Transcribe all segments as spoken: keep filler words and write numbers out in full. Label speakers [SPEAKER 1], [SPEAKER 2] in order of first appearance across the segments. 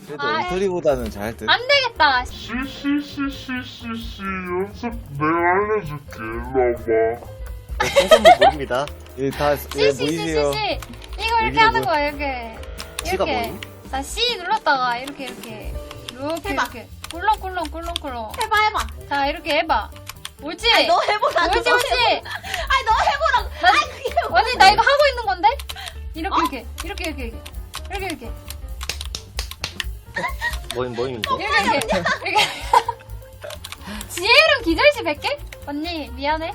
[SPEAKER 1] 그래도
[SPEAKER 2] 아이.
[SPEAKER 1] 엉터리보다는 잘 듯.
[SPEAKER 2] 안 되겠다.
[SPEAKER 3] 씨씨씨씨씨씨 연습 내가 알려줄게. 일로 와봐.
[SPEAKER 4] 생선물 모릅니다.
[SPEAKER 1] 예, 다, 예, 보이세요?
[SPEAKER 2] 씨씨씨씨씨. 이거 이렇게
[SPEAKER 1] 여기로
[SPEAKER 2] 하는
[SPEAKER 1] 뭐-
[SPEAKER 2] 거야, 이렇게.
[SPEAKER 4] 씨가
[SPEAKER 2] 이렇게.
[SPEAKER 4] 뭐니?
[SPEAKER 2] 자, C 눌렀다가 이렇게, 이렇게. 이렇게,
[SPEAKER 5] 해봐.
[SPEAKER 2] 이렇게. 꿀렁꿀렁, 꿀렁꿀렁.
[SPEAKER 5] 해봐 해봐.
[SPEAKER 2] 자, 이렇게 해봐. 옳지?
[SPEAKER 5] 아니 너 해보라.
[SPEAKER 2] 옳지,
[SPEAKER 5] 너
[SPEAKER 2] 옳지?
[SPEAKER 5] 해보라. 아니 너 해보라고.
[SPEAKER 2] 나,
[SPEAKER 5] 아니 그게 뭐-
[SPEAKER 2] 언니, 나 이거 하고 있는 건데? 이렇게,
[SPEAKER 5] 어?
[SPEAKER 2] 이렇게. 이렇게, 이렇게, 이렇게. 이렇게, 이렇게.
[SPEAKER 4] 뭐임 뭐임인데?
[SPEAKER 2] 이렇게, 이렇게. 이렇게. 지혜 이름 기절시 백 개? 언니, 미안해.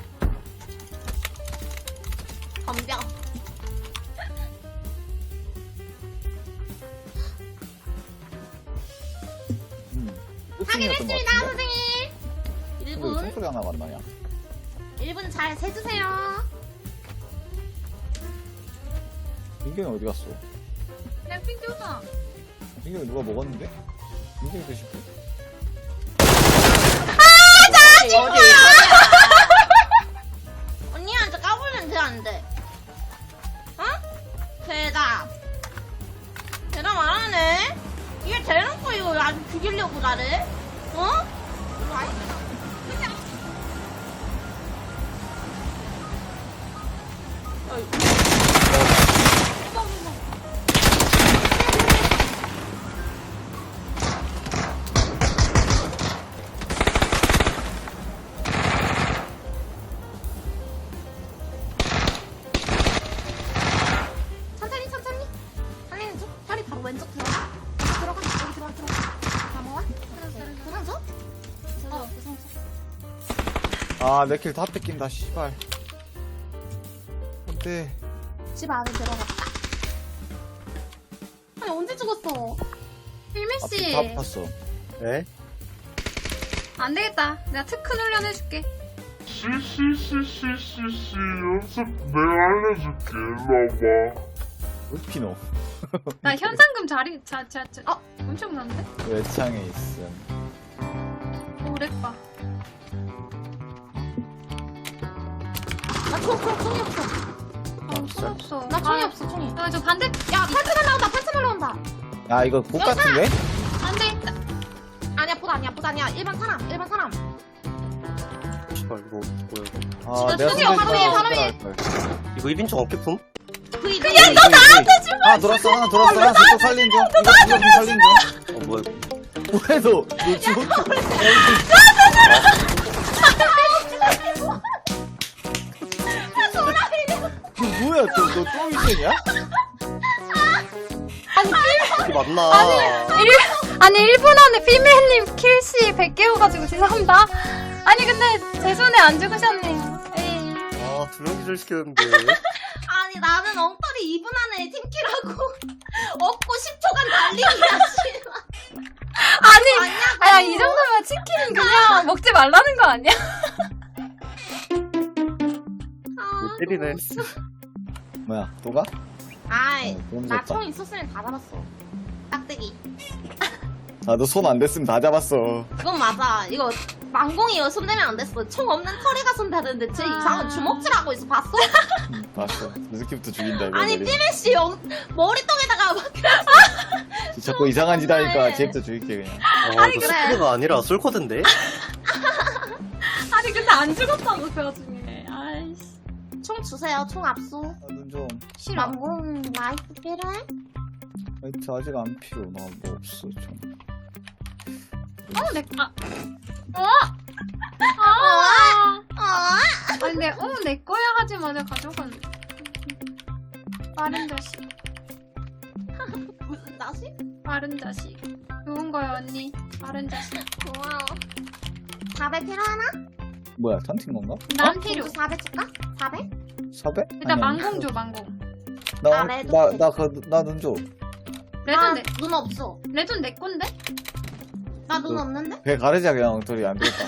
[SPEAKER 5] 덤벼.
[SPEAKER 1] 음.
[SPEAKER 5] 확인했습니다
[SPEAKER 1] 일
[SPEAKER 5] 선생님.
[SPEAKER 1] 근데 왜
[SPEAKER 5] 일 분.
[SPEAKER 1] 총소리 하나 만나냐?
[SPEAKER 5] 일 분 잘 세주세요.
[SPEAKER 1] 민경이 어디 갔어?
[SPEAKER 2] 그냥 핑 줬어.
[SPEAKER 1] 민경이 누가 먹었는데? 민경이 드실 분?
[SPEAKER 5] 어디 어디. 언니한테 까불면 돼 안 돼? 어? 대답. 대답 안 하네. 이게 대놓고 이거 아주 죽이려고 나를? 어? 이거 아니잖아. 그냥. 어이. 천천히 천천히. 살리는 중. 팔이 바로 왼쪽 들어가. 들어가. 여기 들어가 들어가. 다 모아. 부상줘?
[SPEAKER 2] 어, 부상쳐.
[SPEAKER 1] 아, 내 킬 다 뺏긴다, 씨발. 안돼.
[SPEAKER 5] 집 안에 들어갔다. 아니 언제 죽었어?
[SPEAKER 2] 필미씨.
[SPEAKER 1] 다 봤어.
[SPEAKER 4] 네?
[SPEAKER 2] 안 되겠다. 내가 특훈 훈련 해줄게.
[SPEAKER 3] 씨씨씨씨씨씨 연습 내가 알려줄게. 일로 와봐.
[SPEAKER 1] 울피노.
[SPEAKER 2] 나 현상금 자리, 자, 자, 자. 어, 엄청 많은데?
[SPEAKER 1] 외창에 있음.
[SPEAKER 2] 오래빠.
[SPEAKER 5] 나 총, 총, 총이 없어.
[SPEAKER 2] 아, 손 없어.
[SPEAKER 5] 나 총이
[SPEAKER 2] 아,
[SPEAKER 5] 없어, 총이.
[SPEAKER 2] 아, 저 반대.
[SPEAKER 5] 야, 팔찌 날라온다, 팔찌 날라온다.
[SPEAKER 1] 야, 이거 복 같은데?
[SPEAKER 2] 안 되겠다.
[SPEAKER 5] 아니야, 보다 아니야, 보다 아니야. 일반 사람, 일반 사람.
[SPEAKER 4] 씨발 이거 뭐야 이거?
[SPEAKER 1] 아,
[SPEAKER 2] 진짜
[SPEAKER 1] 내가
[SPEAKER 2] 총이야, 바로
[SPEAKER 1] 손대지
[SPEAKER 2] 위, 바로
[SPEAKER 1] 말아야
[SPEAKER 2] 위.
[SPEAKER 1] 할 걸.
[SPEAKER 4] 이거 일 인용 어깨품?
[SPEAKER 5] 그이
[SPEAKER 4] 그냥 너 나한테 주
[SPEAKER 1] 하나 돌았어, 하나 돌았어. 하나 저쪽 살린 중. 이거, 이거 좀 살린 중.
[SPEAKER 4] 어 뭐야
[SPEAKER 1] 뭐해, 너. 너 죽었지? 이거 뭐야, 너, 너 똥이쟁이야?
[SPEAKER 4] 이게 맞나?
[SPEAKER 2] 일, 아니, 일 분 안에 피메님 킬씨 백 개 오가지고 죄송합니다. 아니, 근데 제 손에 안 죽으셨네요. 에이.
[SPEAKER 4] 아두 명 기절 시켰는데
[SPEAKER 5] 아니, 나는 엉터리 이 분 안에 팀킬하고 없고 십 초간 달리기야, 씨발.
[SPEAKER 2] 아니,
[SPEAKER 5] 아니야,
[SPEAKER 2] 아야, 이 정도면 치킨 그냥 먹지 말라는 거 아니야?
[SPEAKER 5] 아,
[SPEAKER 4] 때리네.
[SPEAKER 1] 뭐야, 또 가?
[SPEAKER 5] 아이,
[SPEAKER 1] 어, 너무
[SPEAKER 5] 나
[SPEAKER 1] 좋다.
[SPEAKER 5] 총 있었으면 다 잡았어. 딱대기.
[SPEAKER 1] 아, 너 손 안 댔으면 다 잡았어.
[SPEAKER 5] 그건 맞아. 이거 망공이 손 대면 안 됐어. 총 없는 털이가 손 대는데 쟤
[SPEAKER 2] 아.
[SPEAKER 5] 이상한 주먹질하고 있어. 봤어?
[SPEAKER 1] 응, 봤어. 느낌부터 죽인다, 이거.
[SPEAKER 5] 아니, 띠메씨 머리통에다가 막.
[SPEAKER 1] 자꾸 이상한 짓 하니까
[SPEAKER 5] 정말.
[SPEAKER 1] 쟤부터 죽일게, 그냥.
[SPEAKER 4] 아
[SPEAKER 5] 아니,
[SPEAKER 4] 이거
[SPEAKER 5] 그래.
[SPEAKER 4] 스피드가 아니라 솔코드인데?
[SPEAKER 2] 아니, 근데 안 죽었다고, 그 와중에. 아이씨.
[SPEAKER 5] 총 주세요. 총 압수.
[SPEAKER 1] 아, 눈 좀.
[SPEAKER 2] 싫어.
[SPEAKER 5] 망공 라이프 필요해?
[SPEAKER 1] 화이트 아직 안 필요. 나 뭐 없어, 좀.
[SPEAKER 2] 어, 내, 아. 어? 아.
[SPEAKER 5] 아,
[SPEAKER 2] 아니, 내, 어, 내 거야 하지 마. 내가 가져갈래. 빠른 자식.
[SPEAKER 5] 무슨 자식?
[SPEAKER 2] 빠른 자식. 좋은 거야, 언니. 빠른 자식.
[SPEAKER 5] 고마워. 사백 필요하나?
[SPEAKER 1] 뭐야, 턴팅 건가?
[SPEAKER 2] 난 필요.
[SPEAKER 5] 공주 사백 줄까? 사백?
[SPEAKER 1] 사백?
[SPEAKER 2] 일단 망공 줘, 망공.
[SPEAKER 1] 나,
[SPEAKER 5] 아, 레드.
[SPEAKER 1] 나, 나, 그, 나 눈 줘.
[SPEAKER 2] 레전 내,
[SPEAKER 5] 눈 없어.
[SPEAKER 2] 레전 내 건데?
[SPEAKER 5] 나 눈
[SPEAKER 1] 그-
[SPEAKER 5] 없는데?
[SPEAKER 1] 배 가르자, 그냥, 엉터리. 안 되겠다.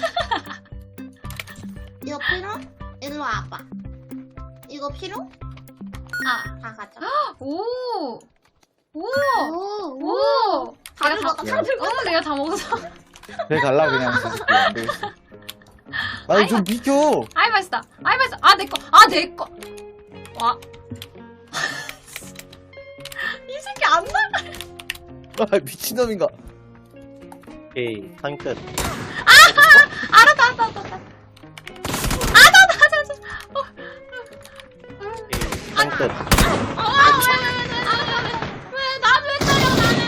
[SPEAKER 5] 이거 필요? 일로 와봐. 이거 필요?
[SPEAKER 2] 아.
[SPEAKER 5] 다 가져.
[SPEAKER 2] 오! 오!
[SPEAKER 5] 오,
[SPEAKER 2] 오!
[SPEAKER 5] 다
[SPEAKER 2] 내가
[SPEAKER 5] 들어가, 다 들어가.
[SPEAKER 2] 어, 내가 다 먹었어.
[SPEAKER 1] 배 갈라, 그냥. 진짜. 안 되겠어. 아니, 좀 비켜!
[SPEAKER 2] 아이, 맛있다. 아이, 맛있다. 아, 내 거. 아, 내 거. 와. 이 새끼 안 나가.
[SPEAKER 1] 아, 미친놈인가?
[SPEAKER 4] 오케이, 한 끝.
[SPEAKER 2] 알았다, 알았다, 알았다. 아, 나, 나, 나, 나. 어.
[SPEAKER 4] 오케이, 한 끝.
[SPEAKER 5] 아, 왜, 왜, 왜, 왜, 왜, 왜, 나도 왜 때려, 나는.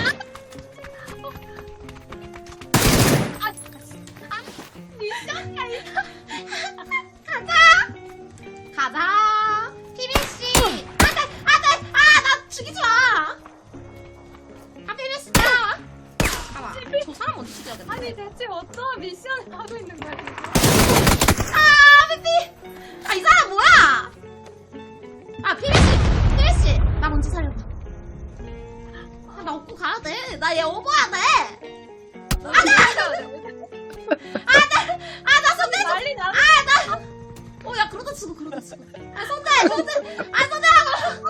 [SPEAKER 5] 아, 아, 미션이 아니다. 가자. 가자. 피비씨. 안 돼, 안 돼. 아, 나 죽이지 마. 아, 피비씨, 나. 잠깐만. 저 사람 먼저 죽여야겠다.
[SPEAKER 2] 아니, 대체 어떤 미션을 하고 있는 거야, 지금?
[SPEAKER 5] 아, 피비. 아, 이 사람 뭐야? 아, 피비씨. 피비씨. 나 먼저 살려봐. 아, 나 업고 가야 돼. 나 얘 업어야 돼. 안 돼! 아, 나, 아, 나 손대 좀.
[SPEAKER 2] 난리 나.
[SPEAKER 5] 아, 나. 어, 야, 그러다 죽어, 그러다 죽어. 아, 손대, 손대. 아, 손대라고.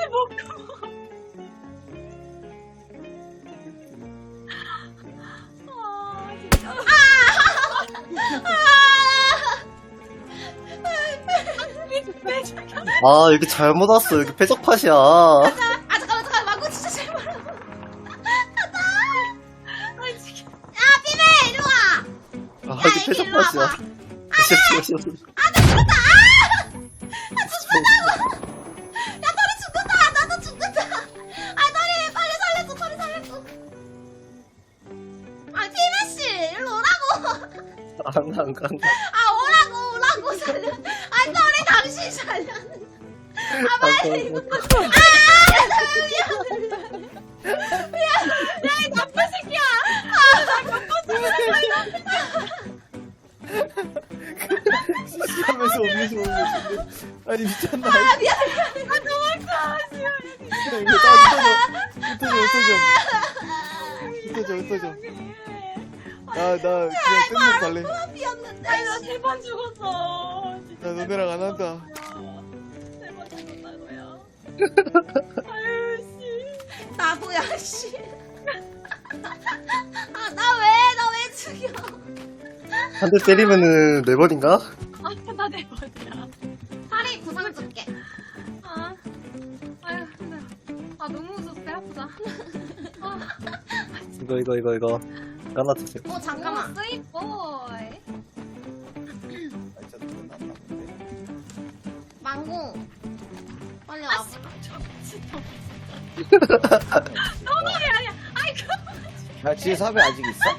[SPEAKER 2] 아, 진짜.
[SPEAKER 4] 아, 여기 잘못 왔어. 여기 패적팟이야.
[SPEAKER 5] 아, 잠깐만, 잠깐만. 망고 진짜 제발. 가자.
[SPEAKER 2] 아, 지금.
[SPEAKER 5] 야, 피비, 이리 와.
[SPEAKER 4] 아,
[SPEAKER 5] 야,
[SPEAKER 4] 여기
[SPEAKER 5] 이리 일로 와봐.
[SPEAKER 4] 패적팟이야.
[SPEAKER 5] 아, 나 죽었다. 아! 아, 죽는다고. 야, 털이 죽는다. 나도 죽는다. 아, 털이 빨리 살려줘. 털이 살려줘. 아, 피비씨, 일로 오라고.
[SPEAKER 4] 안 가, 안 가, 안 가.
[SPEAKER 5] 아, 오라고, 오라고 살려. 아, 털이 당신 살려. 아, 빨리. 아, 미안해. 야, 이 나쁜 새끼야. 아, 나 나쁜 새끼야.
[SPEAKER 1] 하면서 음료수 먹는 거 같은데. 아니, 미쳤나?
[SPEAKER 5] 아, 미안해. 아, 도망가.
[SPEAKER 1] 이거 다 흩어져. 흩어져, 흩어져. 흩어져, 흩어져. 나, 나, 그냥 끝내고 갈래.
[SPEAKER 5] 미안한데.
[SPEAKER 2] 아니, 나 세 번 죽었어. 진짜.
[SPEAKER 1] 나 너네랑 안 한다.
[SPEAKER 2] 세 번 죽었다고요. 아유, 씨.
[SPEAKER 5] 나도야, 씨. 아, 나 왜, 나 왜 죽여?
[SPEAKER 4] 한 대 때리면은 네 번인가?
[SPEAKER 2] 아, 나내 번이야.
[SPEAKER 5] 파리 구상 줄게.
[SPEAKER 2] 아, 아유, 힘들어. 아, 너무 웃었어. 배 아프다. 아,
[SPEAKER 4] 이거, 이거, 이거, 이거. 하나 주세요.
[SPEAKER 5] 어, 잠깐만.
[SPEAKER 2] 오, 스윗 보이.
[SPEAKER 1] 아, 진짜 끝났나 본데.
[SPEAKER 5] 망고. 빨리 와.
[SPEAKER 2] 너무해, 아니야. 아이고.
[SPEAKER 1] 야, 뒤에 사배 아직 있어?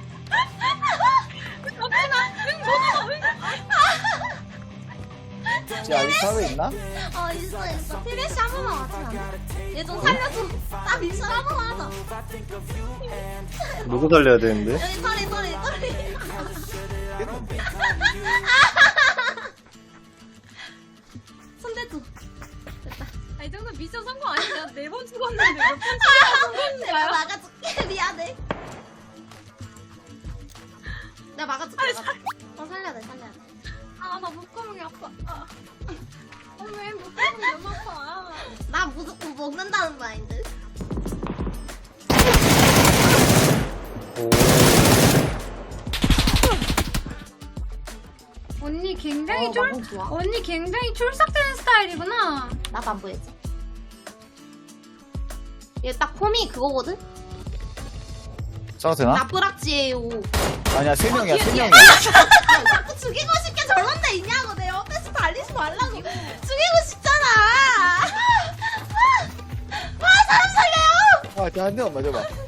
[SPEAKER 2] 덕분아, 응, 너무, 응.
[SPEAKER 1] 뒤에 아직 사배 있나?
[SPEAKER 5] 어, 있어, 있어. 피비씨 한 번만 와주면 안 돼? 얘 좀 살려줘. 나 미션 한 번만 하자.
[SPEAKER 4] 누구 살려야 되는데?
[SPEAKER 5] 여기 털이, 털이, 털이.
[SPEAKER 1] 됐는데.
[SPEAKER 5] 손대줘.
[SPEAKER 2] 아, 이 정도 미션 성공 아니야? 네 번 죽었는데 몇 번 죽었는데
[SPEAKER 5] 내가 막아줄게. 미안해. 내가 막아줄게. 막아줄게. 어, 살려야 돼, 살려야 돼.
[SPEAKER 2] 아, 나 목구멍이 아파. 아, 아, 왜 목구멍이 너무 아파.
[SPEAKER 5] 나 무조건 먹는다는 마인드.
[SPEAKER 4] 오.
[SPEAKER 2] 언니 굉장히
[SPEAKER 5] 어,
[SPEAKER 2] 쫄,
[SPEAKER 5] 망고 좋아.
[SPEAKER 2] 언니 굉장히 쫄싹대는 스타일이구나.
[SPEAKER 5] 나도 안 보이지? 얘 딱 폼이 그거거든?
[SPEAKER 1] 싸도 되나?
[SPEAKER 5] 나쁘락지예요.
[SPEAKER 1] 아니야, 세 명이야, 세 명이야.
[SPEAKER 5] 자꾸 죽이고 싶게 저런 데 있냐고. 내 옆에서 달리지 말라고. 죽이고 싶잖아. 와, 사람 살려요!
[SPEAKER 1] 아, 한 대만 맞아봐.